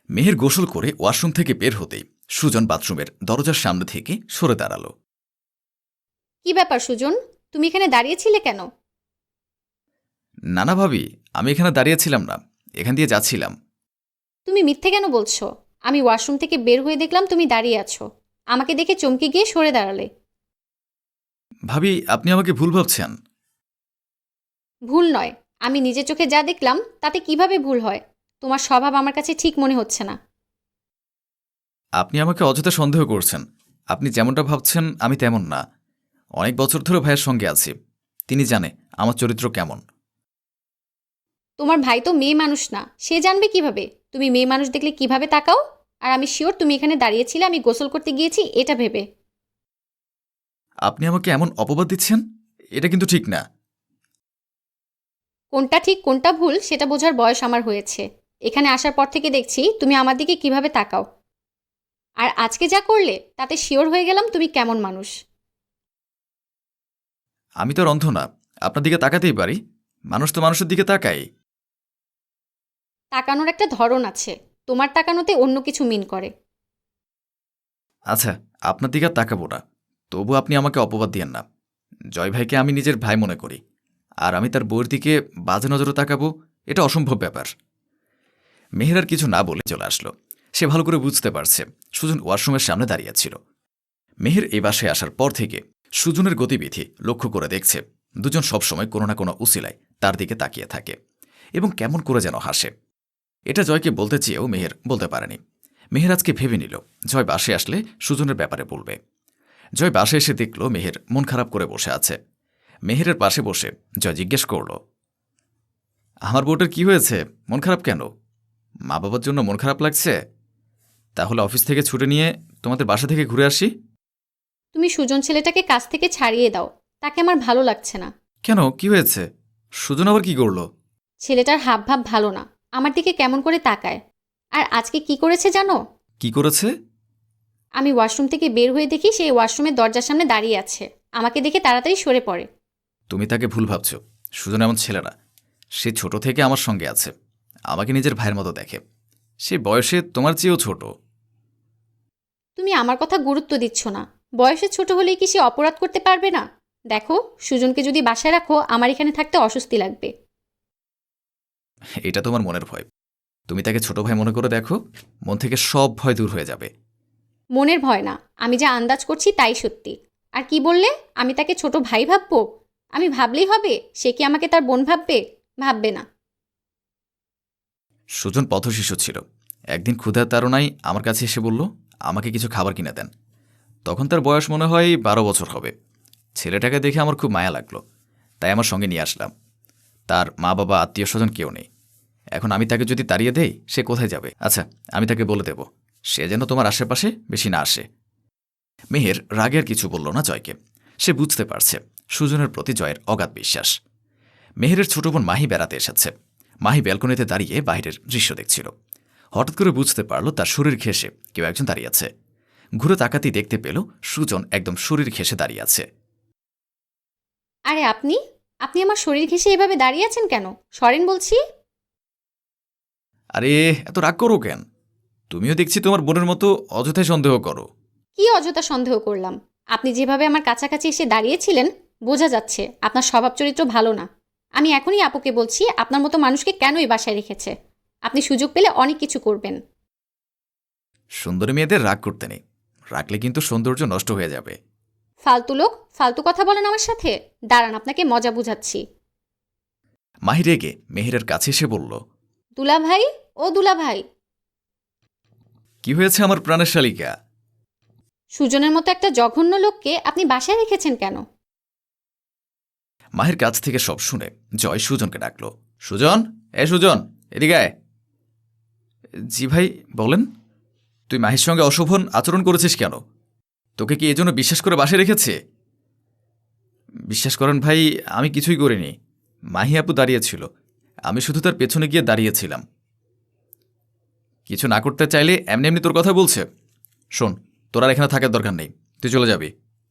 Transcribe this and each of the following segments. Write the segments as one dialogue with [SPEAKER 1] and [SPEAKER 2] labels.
[SPEAKER 1] মেহের গোসল করে ওয়াশরুম থেকে বের হতেই সুজন বাথরুমের দরজার সামনে থেকে সরে দাঁড়ালো।
[SPEAKER 2] কি ব্যাপার সুজন, তুমি এখানে দাঁড়িয়েছিলে কেন?
[SPEAKER 1] নানা ভাবি, আমি এখানে দাঁড়িয়েছিলাম না, এখান দিয়ে যাচ্ছিলাম।
[SPEAKER 2] তুমি মিথ্যে কেন বলছো? আমি ওয়াশরুম থেকে বের হয়ে দেখলাম তুমি দাঁড়িয়ে আছো। আমাকে দেখে চমকে গিয়ে সরে দাঁড়ালে।
[SPEAKER 1] ভাবি, আপনি আমাকে ভুল ভাবছেন।
[SPEAKER 2] ভুল নয়, আমি নিজের চোখে যা দেখলাম তাতে কিভাবে ভুল হয়? তোমার স্বভাব আমার কাছে ঠিক মনে হচ্ছে না।
[SPEAKER 1] আপনি আমাকে অযথা সন্দেহ করছেন। আপনি যেমনটা ভাবছেন আমি তেমন না। অনেক বছর ধরে ভাইয়ের সঙ্গে আছি, তিনি জানে আমার চরিত্র কেমন।
[SPEAKER 2] তোমার ভাই তো মেয়ে মানুষ না, সে জানবে কিভাবে তুমি মেয়ে মানুষ দেখলে কিভাবে তাকাও? আর আমি শিওর তুমি এখানে দাঁড়িয়েছিলে আমি গোসল করতে গিয়েছি এটা ভেবে।
[SPEAKER 1] আপনি আমাকে এমন অপবাদ দিচ্ছেন, এটা কিন্তু ঠিক না।
[SPEAKER 2] কোনটা ঠিক কোনটা ভুল সেটা বোঝার বয়স আমার হয়েছে। এখানে আসার পর থেকে দেখছি তুমি আমার দিকে কিভাবে তাকাও। আর আজকে যা করলে তাতে শিওর হয়ে গেলাম তুমি কেমন মানুষ।
[SPEAKER 1] আমি তো আর অন্ধ না, আপনার দিকে তাকাতেই পারি। মানুষ তো মানুষের দিকে তাকাই।
[SPEAKER 2] তাকানোর একটা ধরন আছে, তোমার তাকানোতে অন্য কিছু মিন করে।
[SPEAKER 1] আচ্ছা, আপনার দিকে আর তাকাবো না, তবু আপনি আমাকে অপবাদ দিয়েন না। জয় ভাইকে আমি নিজের ভাই মনে করি, আর আমি তার বউয়ের দিকে বাজে নজরে তাকাবো, এটা অসম্ভব ব্যাপার। মেহের আর কিছু না বলে চলে আসলো। সে ভালো করে বুঝতে পারছে সুজন ওয়াশরুমের সামনে দাঁড়িয়েছিল। মেহের এই বাসায় আসার পর থেকে সুজনের গতিবিধি লক্ষ্য করে দেখছে দুজন সবসময় কোনো না কোনো উসিলায় তার দিকে তাকিয়ে থাকে এবং কেমন করে যেন হাসে। এটা জয়কে বলতে চেয়েও মেহের বলতে পারেনি। মেহের আজকে ভেবে নিল জয় বাসে আসলে সুজনের ব্যাপারে বলবে। জয় বাসে এসে দেখল মেহের মন খারাপ করে বসে আছে। মেহেরের পাশে বসে জয় জিজ্ঞেস করল, আমার বউটার কি হয়েছে, মন খারাপ কেন? মা বাবার জন্য মন খারাপ লাগছে? তাহলে অফিস থেকে ছুটে নিয়ে তোমাদের বাসা থেকে ঘুরে আসি।
[SPEAKER 2] তুমি সুজন ছেলেটাকে কাছ থেকে ছাড়িয়ে দাও, তাকে আমার ভালো লাগছে না।
[SPEAKER 1] কেন, কি হয়েছে? সুজন আবার কি করল?
[SPEAKER 2] ছেলেটার হাবভাব ভালো না, আমার দিকে কেমন করে তাকায়। আর আজকে কি করেছে জানো?
[SPEAKER 1] কি করেছে?
[SPEAKER 2] আমি ওয়াশরুম থেকে বের হয়ে দেখি সে ওয়াশরুমের দরজার সামনে দাঁড়িয়ে আছে। আমাকে দেখে তাড়াতাড়ি সরে পড়ে।
[SPEAKER 1] তুমি তাকে ভুল ভাবছ। সুজন এমন ছেলে না। সে ছোট থেকে আমার সঙ্গে আছে, আমাকে নিজের ভাইয়ের মতো দেখে। সে বয়সে তোমার চেয়েও ছোট।
[SPEAKER 2] তুমি আমার কথা গুরুত্ব দিচ্ছ না। বয়সে ছোট হলেই কি সে অপরাধ করতে পারবে না? দেখো, সুজনকে যদি বাসায় রাখো আমার এখানে থাকতে অস্বস্তি লাগবে।
[SPEAKER 1] এটা তোমার মনের ভয়। তুমি তাকে ছোট ভাই মনে করে দেখো, মন থেকে সব ভয় দূর হয়ে যাবে।
[SPEAKER 2] মনের ভয় না, আমি যা আন্দাজ করছি তাই সত্যি। আর কি বললে, আমি তাকে ছোট ভাই ভাববো? আমি ভাবলেই হবে? সে কি আমাকে তার বোন ভাববে? ভাববে না।
[SPEAKER 1] সুজন পথশিশু ছিল। একদিন ক্ষুধার তাড়নায় আমার কাছে এসে বলল আমাকে কিছু খাবার কিনে দেন। তখন তার বয়স মনে হয় 12 বছর হবে। ছেলেটাকে দেখে আমার খুব মায়া লাগলো, তাই আমার সঙ্গে নিয়ে আসলাম। তার মা বাবা আত্মীয় স্বজন কেউ নেই। এখন আমি তাকে যদি তাড়িয়ে দেই সে কোথায় যাবে? আচ্ছা, আমি তাকে বলে দেব সে যেন তোমার আশেপাশে বেশি না আসে। মেহের রাগে আর কিছু বলল না জয়কে। সে বুঝতে পারছে সুজনের প্রতি জয়ের অগাধ বিশ্বাস। মেহেরের ছোট বোন মাহি বেড়াতে এসেছে। মাহি ব্যালকনিতে দাঁড়িয়ে বাইরের দৃশ্য দেখছিল। হঠাৎ করে বুঝতে পারল তার শরীর ঘেঁষে কেউ একজন দাঁড়িয়ে আছে। ঘুরে তাকাতেই দেখতে পেল সুজন একদম শরীর ঘেঁষে দাঁড়িয়ে আছে।
[SPEAKER 2] আরে আপনি আপনি আমার শরীর ঘেঁষে এভাবে দাঁড়িয়ে আছেন কেন? সরেন বলছি।
[SPEAKER 1] আরে, এত রাগ করো কেন? তুমিও দেখছি তোমার বোনের মতো অযথায় সন্দেহ করো।
[SPEAKER 2] কি অযথা সন্দেহ করলাম? আপনি যেভাবে আমার কাছাকাছি এসে দাঁড়িয়েছিলেন, বোঝা যাচ্ছে আপনার স্বভাব চরিত্র ভালো না। আমি এখনই আপুকে বলছি আপনার মতো মানুষকে কেন এই বাসায় রেখেছে। আপনি সুযোগ পেলে অনেক কিছু করবেন।
[SPEAKER 1] সুন্দরী মেয়েদের রাগ করতে নেই, রাখলে কিন্তু সৌন্দর্য নষ্ট হয়ে যাবে।
[SPEAKER 2] ফালতু লোক, ফালতু কথা বলেন আমার সাথে। দাঁড়ান, আপনাকে মজা বুঝাচ্ছি।
[SPEAKER 1] মাহি রেগে মেহেরের কাছে এসে বলল,
[SPEAKER 2] দুলা ভাই, ও দুলা ভাই।
[SPEAKER 1] কি হয়েছে আমার প্রাণের শালিকা?
[SPEAKER 2] সুজনের মতো একটা জঘন্য লোককে আপনি বাসায় রেখেছেন কেন?
[SPEAKER 1] মাহির কাছ থেকে সব শুনে জয় সুজনকে ডাকল। সুজন, সুজন, এদিকে আয়। জি ভাই, বলেন। তুই মাহির সঙ্গে অশোভন আচরণ করেছিস কেন? তোকে কি এজন্য বিশ্বাস করে বাসে রেখেছে? বিশ্বাস করেন ভাই, আমি কিছুই করিনি। মাহি আপু দাঁড়িয়েছিল, আমি শুধু তার পেছনে গিয়ে দাঁড়িয়েছিলাম। কিছু না করতে চাইলে এমনি এমনি তোর কথা বলছে। শোন, তোর আর এখানে থাকার দরকার নেই, তুই চলে যাবি।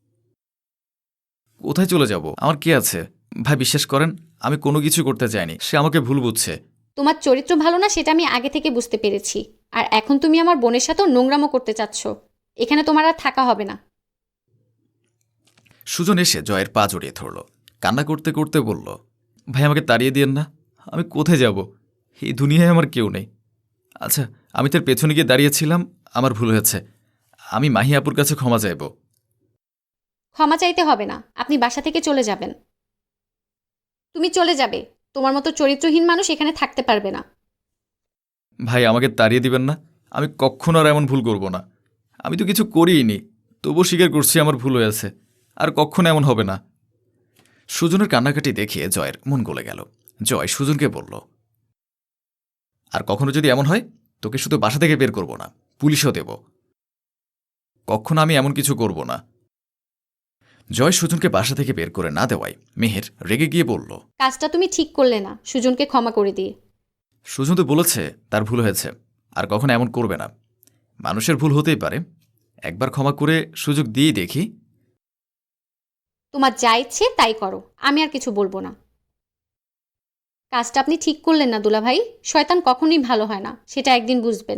[SPEAKER 1] কোথায় চলে যাব? আমার কি আছে? ভাই বিশ্বাস করেন, আমি কোনো কিছু করতে চাইনি, সে আমাকে ভুল বুঝছে।
[SPEAKER 2] তোমার চরিত্র ভালো না সেটা আমি আগে থেকে বুঝতে পেরেছি। আর এখন তুমি আমার বোনের সাথেও নোংরামো করতে চাচ্ছ। এখানে তোমার আর থাকা হবে না।
[SPEAKER 1] সুজন এসে জয়ের পা জড়িয়ে ধরল, কান্না করতে করতে বলল, ভাই আমাকে তাড়িয়ে দিয়েন না, আমি কোথায় যাব? এই দুনিয়ায় আমার কেউ নেই। আচ্ছা, আমি তার পেছনে গিয়ে দাঁড়িয়েছিলাম, আমার ভুল হয়েছে, আমি মাহি আপুর কাছে ক্ষমা চাইব।
[SPEAKER 2] ক্ষমা চাইতে হবে না, আপনি বাসা থেকে চলে যাবেন। তুমি চলে যাবে, তোমার মতো চরিত্রহীন মানুষ এখানে থাকতে পারবে না।
[SPEAKER 1] ভাই আমাকে তাড়িয়ে দিবেন না, আমি কখনো আর এমন ভুল করব না। আমি তো কিছু করিইনি, তবুও স্বীকার করছি আমার ভুল হয়েছে, আর কখনো এমন হবে না। সুজনের কান্নাকাটি দেখে জয়ের মন গলে গেল। জয় সুজনকে বলল, আর কখনো যদি এমন হয়, তোকে শুধু বাসা থেকে বের করব না, পুলিশও দেব। কখনো আমি এমন কিছু করব না। জয় সুজনকে বাসা থেকে বের করে না দেওয়ায় মেহের রেগে গিয়ে বলল,
[SPEAKER 2] কাজটা তুমি ঠিক করলে না সুজনকে ক্ষমা করে দিয়ে।
[SPEAKER 1] সুজন তো বলেছে তার ভুল হয়েছে, আর কখনো এমন করবে না। মানুষের ভুল হতেই পারে, একবার ক্ষমা করে সুযোগ দিয়েই দেখি।
[SPEAKER 2] তোমার যা ইচ্ছে তাই করো, আমি আর কিছু বলবো না। কাজটা আপনি ঠিক করলেন না দুলাভাই। শয়তান কখনোই ভালো হয় না, সেটা একদিন বুঝবেন।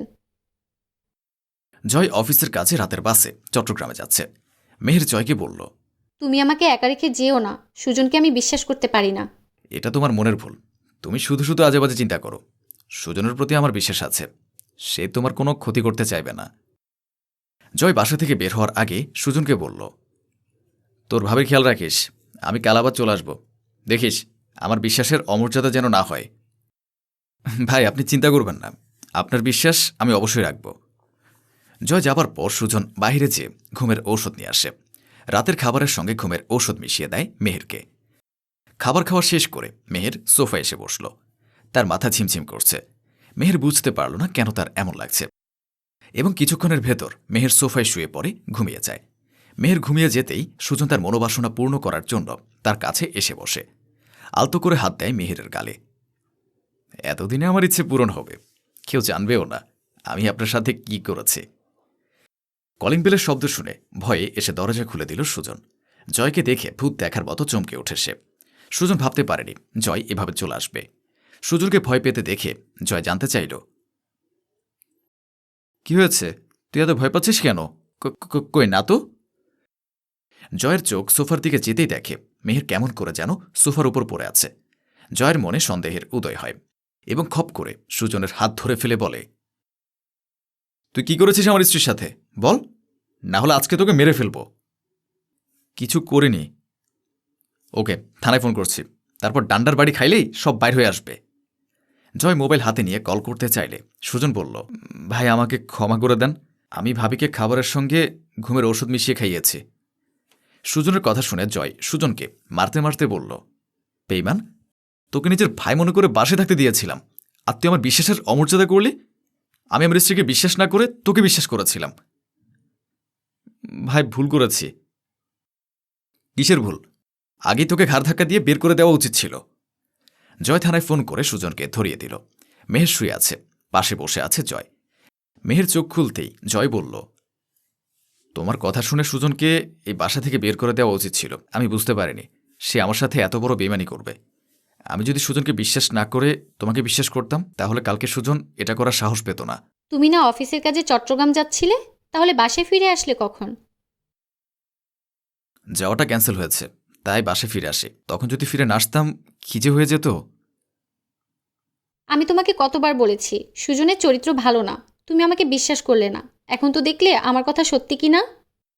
[SPEAKER 1] জয় অফিসের কাছে রাতের বাসে চট্টগ্রামে যাচ্ছে। মেহের জয়কে বলল,
[SPEAKER 2] তুমি আমাকে একা রেখে যেও না, সুজনকে আমি বিশ্বাস করতে পারি না।
[SPEAKER 1] এটা তোমার মনের ভুল, তুমি শুধু শুধু আজেবাজে চিন্তা করো। সুজনের প্রতি আমার বিশ্বাস আছে, সে তোমার কোনো ক্ষতি করতে চাইবে না। জয় বাসা থেকে বের হওয়ার আগে সুজনকে বলল, তোর ভাবে খেয়াল রাখিস, আমি কাল আবার চলে আসব, দেখিস আমার বিশ্বাসের অমর্যাদা যেন না হয়। ভাই আপনি চিন্তা করবেন না, আপনার বিশ্বাস আমি অবশ্যই রাখব। জয় যাবার পর সুজন বাইরে যেয়ে ঘুমের ঔষধ নিয়ে আসে। রাতের খাবারের সঙ্গে ঘুমের ঔষধ মিশিয়ে দেয় মেহেরকে। খাবার খাওয়া শেষ করে মেহের সোফায় এসে বসল। তার মাথা ঝিমঝিম করছে। মেহের বুঝতে পারল না কেন তার এমন লাগছে, এবং কিছুক্ষণের ভেতর মেহের সোফায় শুয়ে পড়ে ঘুমিয়ে যায়। মেহের ঘুমিয়ে যেতেই সুজন তার মনোবাসনা পূর্ণ করার জন্য তার কাছে এসে বসে। আলতো করে হাত দেয় মেহেরের গালে। এতদিনে আমার ইচ্ছে পূরণ হবে, কেউ জানবেও না আমি আপনার সাথে কি করেছি। কলিং বেলের শব্দ শুনে ভয়ে এসে দরজা খুলে দিল সুজন। জয়কে দেখে ভূত দেখার মতো চমকে ওঠে সে। সুজন ভাবতে পারেনি জয় এভাবে চলে আসবে। সুজনকে ভয় পেতে দেখে জয় জানতে চাইল, কি হয়েছে, তুই এত ভয় পাচ্ছিস কেন? কই না তো। জয়ের চোখ সোফার দিকে যেতেই দেখে মেহের কেমন করে যেন সোফার উপর পড়ে আছে। জয়ের মনে সন্দেহের উদয় হয় এবং খপ করে সুজনের হাত ধরে ফেলে বলে, তুই কি করেছিস আমার স্ত্রীর সাথে বল, না হলে আজকে তোকে মেরে ফেলব। কিছু করিনি। ওকে, থানায় ফোন করছি, তারপর ডান্ডার বাড়ি খাইলেই সব বাইর হয়ে আসবে। জয় মোবাইল হাতে নিয়ে কল করতে চাইলে সুজন বলল, ভাই আমাকে ক্ষমা করে দেন, আমি ভাবিকে খাবারের সঙ্গে ঘুমের ওষুধ মিশিয়ে খাইয়েছি। সুজনের কথা শুনে জয় সুজনকে মারতে মারতে বলল, বেঈমান, তোকে নিজের ভাই মনে করে বাসে থাকতে দিয়েছিলাম, আর তুই আমার বিশ্বাসের অমর্যাদা করলি। আমি আমার স্ত্রীকে বিশ্বাস না করে তোকে বিশ্বাস করেছিলাম। ভাই ভুল করেছি। কিসের ভুল? আগেই তোকে ঘাড় ধাক্কা দিয়ে বের করে দেওয়া উচিত ছিল। জয় থানায় ফোন করে সুজনকে ধরিয়ে দিল। মেহের শুয়ে আছে, পাশে বসে আছে জয়। মেহের চোখ খুলতেই জয় বলল, তোমার কথা শুনে সুজনকে এই বাসা থেকে বের করে দেওয়া উচিত ছিল। আমি বুঝতে পারিনি সে আমার সাথে এত বড় বেইমানি করবে। আমি যদি সুজনকে বিশ্বাস না করে তোমাকে বিশ্বাস করতাম, তাহলে কালকে সুজন এটা করার সাহস পেত না।
[SPEAKER 2] তুমি না অফিসের কাজে চট্টগ্রাম যাচ্ছিলে, তাহলে বাসায় ফিরে আসলে কখন?
[SPEAKER 1] যাওয়াটা ক্যান্সেল হয়েছে, তাই বাসে ফিরে আসি। তখন যদি ফিরে না আসতাম কি যে হয়ে যেত।
[SPEAKER 2] আমি তোমাকে কতবার বলেছি সুজনের চরিত্র ভালো না, তুমি আমাকে বিশ্বাস করলে না। এখন তো দেখলে আমার কথা সত্যি কি না।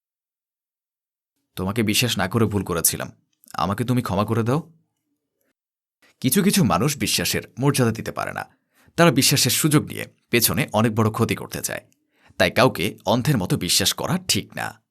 [SPEAKER 1] তোমাকে বিশ্বাস না করে ভুল করেছিলাম, আমাকে তুমি ক্ষমা করে দাও। কিছু কিছু মানুষ বিশ্বাসের মর্যাদা দিতে পারে না। তারা বিশ্বাসের সুযোগ নিয়ে পেছনে অনেক বড় ক্ষতি করতে চায়। তাই কাউকে অন্ধের মতো বিশ্বাস করা ঠিক না।